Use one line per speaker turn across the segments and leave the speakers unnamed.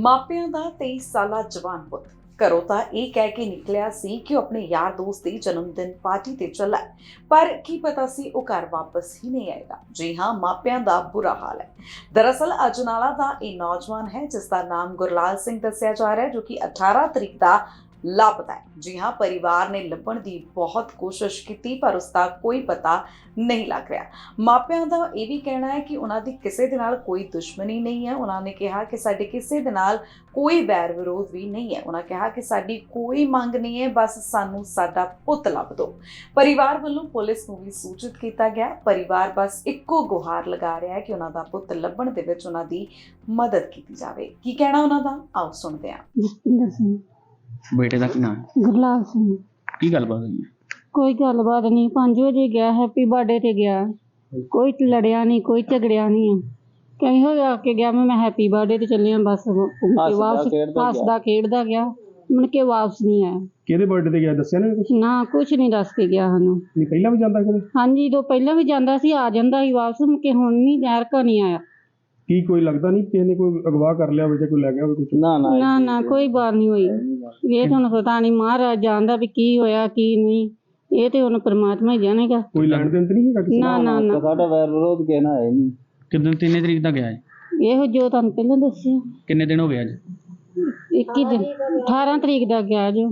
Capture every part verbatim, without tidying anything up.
ਮਾਪਿਆਂ ਦਾ ਤੇਈ ਸਾਲਾ ਜਵਾਨ ਪੁੱਤ ਘਰੋਂ ਤਾਂ ਇਹ ਕਹਿ ਕੇ ਨਿਕਲਿਆ ਸੀ ਕਿ ਉਹ ਆਪਣੇ ਯਾਰ ਦੋਸਤ ਦੀ ਜਨਮ ਦਿਨ ਪਾਰਟੀ ਤੇ ਚੱਲਾ ਹੈ, ਪਰ ਕੀ ਪਤਾ ਸੀ ਉਹ ਘਰ ਵਾਪਸ ਹੀ ਨਹੀਂ ਆਏਗਾ। ਜੀ ਹਾਂ, ਮਾਪਿਆਂ ਦਾ ਬੁਰਾ ਹਾਲ ਹੈ। ਦਰਅਸਲ ਅਜਨਾਲਾ ਦਾ ਇਹ ਨੌਜਵਾਨ ਹੈ ਜਿਸ ਦਾ ਨਾਮ ਗੁਰਲਾਲ ਸਿੰਘ ਦੱਸਿਆ ਜਾ ਰਿਹਾ ਹੈ, ਜੋ ਕਿ ਅਠਾਰਾਂ ਤਰੀਕ ਦਾ ਲਾਪਤਾ ਹੈ। जी हाँ, परिवार ने ਲੱਭਣ ਦੀ बहुत कोशिश की पर उसका कोई पता नहीं लग रहा। ਮਾਪਿਆਂ ਦਾ ਇਹ ਵੀ ਕਹਿਣਾ ਹੈ ਕਿ ਉਹਨਾਂ ਦੀ ਕਿਸੇ ਦੇ ਨਾਲ ਕੋਈ ਦੁਸ਼ਮਣੀ ਨਹੀਂ ਹੈ। ਉਹਨਾਂ ਨੇ ਕਿਹਾ ਕਿ ਸਾਡੇ ਕਿਸੇ ਦੇ ਨਾਲ ਕੋਈ ਵੈਰ ਵਿਰੋਧ ਵੀ ਨਹੀਂ ਹੈ। ਉਹਨਾਂ ਕਿਹਾ ਕਿ ਸਾਡੀ ਕੋਈ ਮੰਗ ਨਹੀਂ ਹੈ, ਬਸ ਸਾਨੂੰ ਸਾਡਾ ਪੁੱਤ ਲੱਭ ਦਿਓ। ਪਰਿਵਾਰ ਵੱਲੋਂ ਪੁਲਿਸ ਨੂੰ ਵੀ ਸੂਚਿਤ ਕੀਤਾ ਗਿਆ। ਪਰਿਵਾਰ ਬਸ ਇੱਕੋ ਗੁਹਾਰ ਲਗਾ ਰਿਹਾ ਹੈ ਕਿ ਉਹਨਾਂ ਦਾ ਪੁੱਤ ਲੱਭਣ ਦੇ ਵਿੱਚ ਉਹਨਾਂ ਦੀ ਮਦਦ ਕੀਤੀ ਜਾਵੇ। ਕੀ ਕਹਿਣਾ ਉਹਨਾਂ ਦਾ, ਆਓ ਸੁਣਦੇ ਹਾਂ।
ਜਸਪਿੰਦਰ ਸਿੰਘ।
बेटे का की नाम है?
गुरलाल सिंह।
की गलबात हुई है?
कोई गलबात नहीं, पांच बजे गया, हैप्पी बर्थडे ते गया, कोई लड़िया नहीं, कोई झगड़िया नहीं है। कहीं हो आके गया मैं हैप्पी बर्थडे ते चलिया, बस वापस हसदा खेडदा गया, मुड़ के वापस नहीं आया।
ਕਿਹਦੇ ਬਰਥਡੇ ਤੇ ਗਿਆ ਦੱਸਿਆ ਨਾ ਕੁਝ?
ना कुछ नहीं दस के गया सानू।
ਨਹੀਂ ਪਹਿਲਾਂ ਵੀ ਜਾਂਦਾ ਕਦੇ?
हाँ जी, तो पहला भी जांदा सी, आ जांदा सी वापस, मुड़ के हुण नहीं यार का नहीं आया।
ਕੀ ਕੋਈ ਲੱਗਦਾ ਨਹੀਂ ਕਿਸੇ ਨੇ ਕੋਈ ਅਗਵਾ ਕਰ ਲਿਆ ਹੋਵੇ ਜਾਂ ਕੋਈ ਲੈ ਗਿਆ ਹੋਵੇ ਕੁਝ?
ना ना
ना ना कोई बात नहीं हुई। ये तो पता नहीं महाराज जानदा भी की होया की नहीं, ये तो हुण परमात्मा ही जानेगा।
ਕੋਈ ਲੈਣ ਦੇਣ ਤੇ ਨਹੀਂ ਹੈਗਾ ਕਿਸੇ
ना ना ना
साडा वैर विरोध कहना है नहीं। कितने तीन तरीक दा गया है?
ਇਹੋ ਜੋ ਤੁਹਾਨੂੰ ਪਹਿਲਾਂ ਦੱਸਿਆ।
किन्ने दिन हो गए आज?
ਇੱਕੀ ਦਿਨ, ਅਠਾਰਾਂ ਤਰੀਕ ਦਾ ਗਿਆ ਜੋ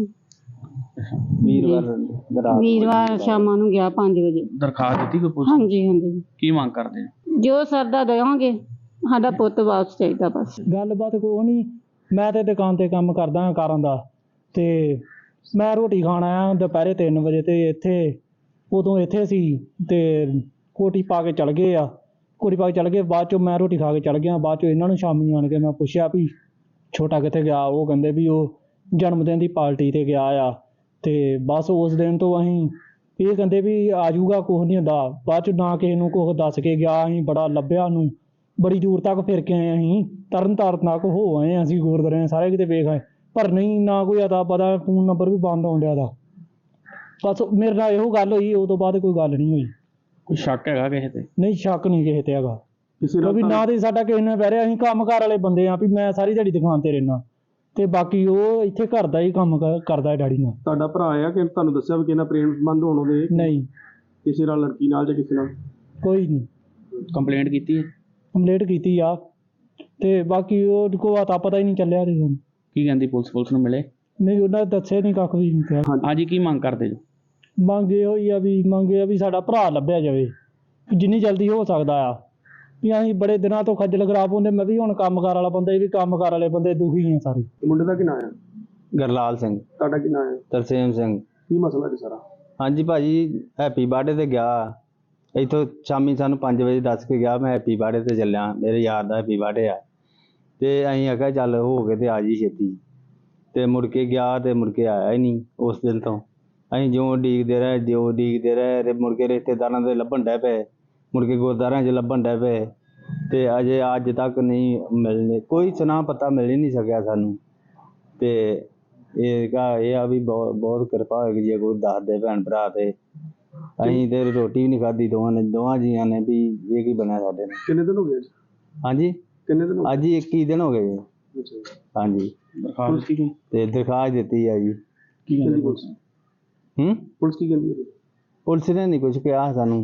वीरवार
ਵੀਰਵਾਰ ਸ਼ਾਮਾਂ ਨੂੰ ਗਿਆ ਪੰਜ ਵਜੇ।
दरखास्त दी कोई पुलिस?
ਹਾਂਜੀ ਹਾਂਜੀ,
की मांग करते हैं?
ਜੋ ਸਰਦਾ ਦੇਵਾਂਗੇ, ਸਾਡਾ ਪੁੱਤ ਵਾਪਸ ਚਾਹੀਦਾ ਬਸ।
ਗੱਲਬਾਤ ਕੋਈ ਨਹੀਂ, ਮੈਂ ਤੇ ਦੁਕਾਨ ਤੇ ਕੰਮ ਕਰਦਾ ਹਾਂ ਕਾਰਾਂ ਦਾ, ਤੇ ਮੈਂ ਰੋਟੀ ਖਾਣ ਆਇਆ ਦੁਪਹਿਰੇ ਤਿੰਨ ਵਜੇ ਤੇ ਇੱਥੇ ਉਦੋਂ ਇੱਥੇ ਸੀ ਤੇ ਕੋਟੀ ਪਾ ਕੇ ਚਲ ਗਏ ਆ। ਕੋਟੀ ਪਾ ਕੇ ਚਲ ਗਏ, ਬਾਅਦ ਚੋਂ ਮੈਂ ਰੋਟੀ ਖਾ ਕੇ ਚਲ ਗਿਆ। ਬਾਅਦ ਚੋਂ ਇਹਨਾਂ ਨੂੰ ਸ਼ਾਮੀ ਆਣ ਕੇ ਮੈਂ ਪੁੱਛਿਆ ਵੀ ਛੋਟਾ ਕਿੱਥੇ ਗਿਆ। ਉਹ ਕਹਿੰਦੇ ਵੀ ਉਹ ਜਨਮ ਦਿਨ ਦੀ ਪਾਰਟੀ ਤੇ ਗਿਆ ਆ। ਤੇ ਬਸ ਉਸ ਦਿਨ ਤੋਂ ਅਸੀਂ ਇਹ ਕਹਿੰਦੇ ਵੀ ਆ ਜਾਊਗਾ, ਕੁਛ ਨਹੀਂ ਹੁੰਦਾ। ਬਾਅਦ ਚ ਨਾ ਕਿਸੇ ਨੂੰ ਕੁਛ ਦੱਸ ਕੇ ਗਿਆ। ਅਸੀਂ ਬੜਾ ਲੱਭਿਆ ਨੂੰ, ਬੜੀ ਦੂਰ ਤੱਕ ਫਿਰ ਕੇ ਆਏ। ਅਸੀਂ ਤਰਨ ਤਾਰਨ ਤੱਕ ਹੋ ਆਏ, ਅਸੀਂ ਗੁਰਦੁਆਰੇ ਸਾਰੇ ਕਿਤੇ ਵੇਖ ਆਏ, ਪਰ ਨਹੀਂ, ਨਾ ਕੋਈ ਅਤਾ ਪਤਾ। ਫੋਨ ਨੰਬਰ ਵੀ ਬੰਦ ਆਉਣ ਡਿਆ ਦਾ। ਬਸ ਮੇਰੇ ਨਾਲ ਇਹੋ ਗੱਲ ਹੋਈ, ਉਹ ਤੋਂ ਬਾਅਦ ਕੋਈ ਗੱਲ ਨਹੀਂ ਹੋਈ।
कोई शक हैगा किसी ते?
ਨਹੀਂ, ਸ਼ੱਕ ਨਹੀਂ ਕਿਸੇ ਤੇ ਹੈਗਾ।
ਕਿਸੇ
ਕਿਉਂਕਿ
ਨਾਲ
ਨਾ ਤੇ ਸਾਡਾ ਕਿਸੇ ਨੇ ਬਹਿ ਰਿਹਾ। ਅਸੀਂ ਕੰਮ ਕਾਰ ਵਾਲੇ ਬੰਦੇ ਆ, ਵੀ ਮੈਂ ਸਾਰੀ ਦਿਹਾੜੀ ਦੁਕਾਨ ਤੇ ਰਹਿਣਾ, ਤੇ ਬਾਕੀ ਉਹ ਇੱਥੇ ਘਰ ਦਾ ਹੀ ਕੰਮ ਕਰ- ਕਰਦਾ ਹੈ ਡੈਡੀ ਨਾਲ।
ਤੁਹਾਡਾ ਭਰਾ ਆ ਕਿ ਤੁਹਾਨੂੰ ਦੱਸਿਆ ਵੀ ਕਿਹਨਾਂ ਪ੍ਰੇਮ ਸੰਬੰਧ ਹੋਣ ਉਹਦੇ
ਨਹੀਂ,
ਕਿਸੇ ਨਾਲ, ਲੜਕੀ ਨਾਲ ਜਾਂ ਕਿਸੇ ਨਾਲ?
ਕੋਈ ਨਹੀਂ।
कंप्लेंट की है?
ਕੰਪਲੇਂਟ ਕੀਤੀ ਆ, ਤੇ ਬਾਕੀ ਉਹ ਕੋ ਅਤਾ ਪਤਾ ਹੀ ਨਹੀਂ ਚੱਲਿਆ। ਤੇ ਸਾਨੂੰ
की कहती पुलिस पुलिस ਨੂੰ ਮਿਲੇ?
ਨਹੀਂ, ਉਹਨਾਂ ਨੇ ਦੱਸਿਆ ਨਹੀਂ, ਕੱਖ ਵੀ ਨਹੀਂ ਕਿਹਾ।
आज की मांग करते जो?
ਮੰਗੇ ਹੋਈ ਆ ਵੀ ਮੰਗੇ ਆ ਵੀ ਸਾਡਾ ਭਰਾ ਲੱਭਿਆ ਜਾਵੇ, ਵੀ ਜਿੰਨੀ ਜਲਦੀ ਹੋ ਸਕਦਾ ਆ। ਵੀ ਅਸੀਂ ਬੜੇ ਦਿਨਾਂ ਤੋਂ ਖੱਜਲ ਖਰਾਬ ਹੁੰਦੇ। ਮੈਂ ਵੀ ਹੁਣ ਕੰਮਕਾਰ ਵਾਲਾ ਬੰਦਾ, ਇਹ ਵੀ ਕੰਮਕਾਰ ਵਾਲੇ ਬੰਦੇ ਦੁਖੀ ਆ ਸਾਰੇ।
ਮੁੰਡੇ ਦਾ ਕੀ ਨਾਂ ਹੈ?
ਗਰਲਾਲ ਸਿੰਘ।
ਤੁਹਾਡਾ ਕੀ ਨਾਂ ਹੈ?
ਤਰਸੇਮ ਸਿੰਘ।
ਕੀ ਮਸਲਾ ਜੀ ਸਾਰਾ?
ਹਾਂਜੀ ਭਾਜੀ, ਹੈਪੀ ਬਰਥਡੇ ਤੇ ਗਿਆ। ਇੱਥੋਂ ਸ਼ਾਮੀ ਸਾਨੂੰ ਪੰਜ ਵਜੇ ਦੱਸ ਕੇ ਗਿਆ ਮੈਂ ਹੈਪੀ ਬਰਥਡੇ ਤੇ ਚੱਲਿਆ, ਮੇਰੇ ਯਾਰ ਦਾ ਹੈਪੀ ਬਰਥਡੇ ਆ। ਤੇ ਅਸੀਂ ਆਖਿਆ ਚੱਲ ਹੋ ਕੇ ਤੇ ਆ ਜੀ ਛੇਤੀ। ਤੇ ਮੁੜ ਕੇ ਗਿਆ ਤੇ ਮੁੜ ਕੇ ਆਇਆ ਹੀ ਨਹੀਂ। ਉਸ ਦਿਨ ਤੋਂ ਅਸੀਂ ਜਿਉਂ ਉਡੀਕਦੇ ਰਹੇ, ਜਿਉਂ ਉਡੀਕਦੇ ਰਹੇ, ਤੇ ਮੁੜ ਕੇ ਰਿਸ਼ਤੇਦਾਰਾਂ ਦੇ ਲੱਭਣ ਡੈ ਪਏ, ਮੁੜ ਕੇ ਗੁਰਦੁਆਰਿਆਂ 'ਚ ਲੱਭਣ ਡੈ ਪਏ, ਤੇ ਅਜੇ ਅੱਜ ਤੱਕ ਨਹੀਂ ਮਿਲਣੇ, ਕੋਈ ਸੁਨਾ ਪਤਾ ਮਿਲ ਹੀ ਨਹੀਂ ਸਕਿਆ ਸਾਨੂੰ। ਤੇ ਇਹ ਕਾ ਇਹ ਆ ਵੀ ਬਹੁਤ ਬਹੁਤ ਕਿਰਪਾ ਹੋਏਗੀ ਜੇ ਕੋਈ ਦੱਸ ਦੇ ਭੈਣ ਭਰਾ। ਤੇ ਅਸੀਂ ਤੇ ਰੋਟੀ ਵੀ ਨਹੀਂ ਖਾਧੀ ਦੋਵਾਂ ਨੇ, ਦੋਵਾਂ ਜੀਆਂ ਨੇ, ਵੀ ਇਹ ਕੀ ਬਣਿਆ ਸਾਡੇ ਨਾਲ।
ਕਿੰਨੇ ਦਿਨ ਹੋ ਗਏ ਅੱਜ?
ਹਾਂਜੀ,
ਕਿੰਨੇ ਦਿਨ ਹੋ
ਅੱਜ ਹੀ ਇੱਕੀ ਦਿਨ ਹੋ ਗਏ ਜੀ।
ਗਏ? ਅੱਛਾ ਜੀ।
ਹਾਂਜੀ,
दरखास्त की
ਤੇ ਦਰਖਾਸਤ ਦਿੱਤੀ ਆ ਜੀ।
की
ਕਹਿੰਦੀ
कहती
ਪੁਲਿਸ?
ਹੂੰ,
ਪੁਲਿਸ ਕੀ ਕਹਿੰਦੀ ਹੈ?
ਪੁਲਿਸ ਨੇ ਨਹੀਂ ਕੁਝ ਕਿਹਾ ਸਾਨੂੰ।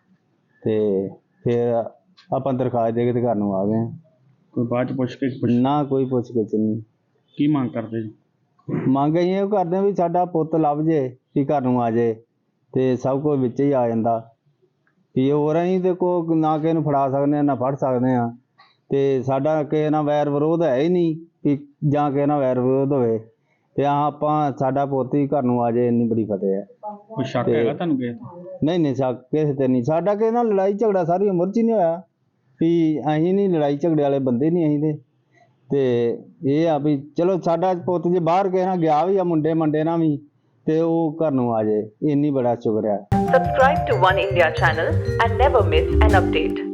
ਤੇ ਫਿਰ ਆਪਾਂ ਦਰਖਾਸਤ ਦੇ ਕੇ ਤੇ ਘਰ ਨੂੰ ਆ ਗਏ।
कोई बाद च पुछ के पुछ-
ਨਾ ਕੋਈ ਪੁੱਛ ਗਿੱਛ ਨਹੀਂ।
की मांग करते जो?
ਮੰਗ ਅਸੀਂ ਇਹ ਕਰਦੇ ਵੀ ਸਾਡਾ ਪੁੱਤ ਲੱਭ ਜੇ, ਵੀ ਘਰ ਨੂੰ ਆ ਜੇ, ਤੇ ਸਭ ਕੁਝ ਵਿੱਚ ਹੀ ਆ ਜਾਂਦਾ। ਵੀ ਹੋਰ ਅਸੀਂ ਤੇ ਕੋ ਨਾ ਕਿਸੇ ਨੂੰ ਫੜਾ ਸਕਦੇ ਹਾਂ ਨਾ ਫੜ ਸਕਦੇ ਹਾਂ। ਤੇ ਸਾਡਾ ਕਿਸੇ ਨਾਲ ਵੈਰ ਵਿਰੋਧ ਹੈ ਹੀ ਨਹੀਂ ਵੀ ਜਾਂ ਕਿਸੇ ਨਾਲ ਵੈਰ ਵਿਰੋਧ ਹੋਵੇ। ਤੇ ਆਹ ਆਪਾਂ ਸਾਡਾ ਪੁੱਤ ਹੀ ਘਰ ਨੂੰ ਆ ਜੇ, ਇੰਨੀ ਬੜੀ ਫਤਿਹ ਹੈ।
कोई शक हैगा ਤੁਹਾਨੂੰ ਕਿਸੇ ਤੇ?
ਨਹੀਂ ਨਹੀਂ, ਸ਼ੱਕ ਕਿਸੇ ਤੇ ਨਹੀਂ। ਸਾਡਾ ਕਿਸੇ ਨਾਲ ਲੜਾਈ ਝਗੜਾ ਸਾਰੀ ਉਮਰ 'ਚ ਹੀ ਨਹੀਂ ਹੋਇਆ। ਵੀ ਅਸੀਂ ਨਹੀਂ ਲੜਾਈ ਝਗੜੇ ਵਾਲੇ ਬੰਦੇ ਨਹੀਂ ਅਸੀਂ ਤੇ। ਤੇ ਇਹ ਆ ਵੀ ਚਲੋ ਸਾਡਾ ਪੁੱਤ ਜੇ ਬਾਹਰ ਕਿਸੇ ਨਾਲ ਗਿਆ ਵੀ ਆ, ਮੁੰਡੇ ਮੰਡੇ ਨਾਲ ਵੀ, ਤੇ ਉਹ ਘਰ ਨੂੰ ਆ ਜੇ, ਇੰਨੀ ਬੜਾ ਸ਼ੁਕਰ ਹੈ।
Subscribe to One India channel and never miss an update.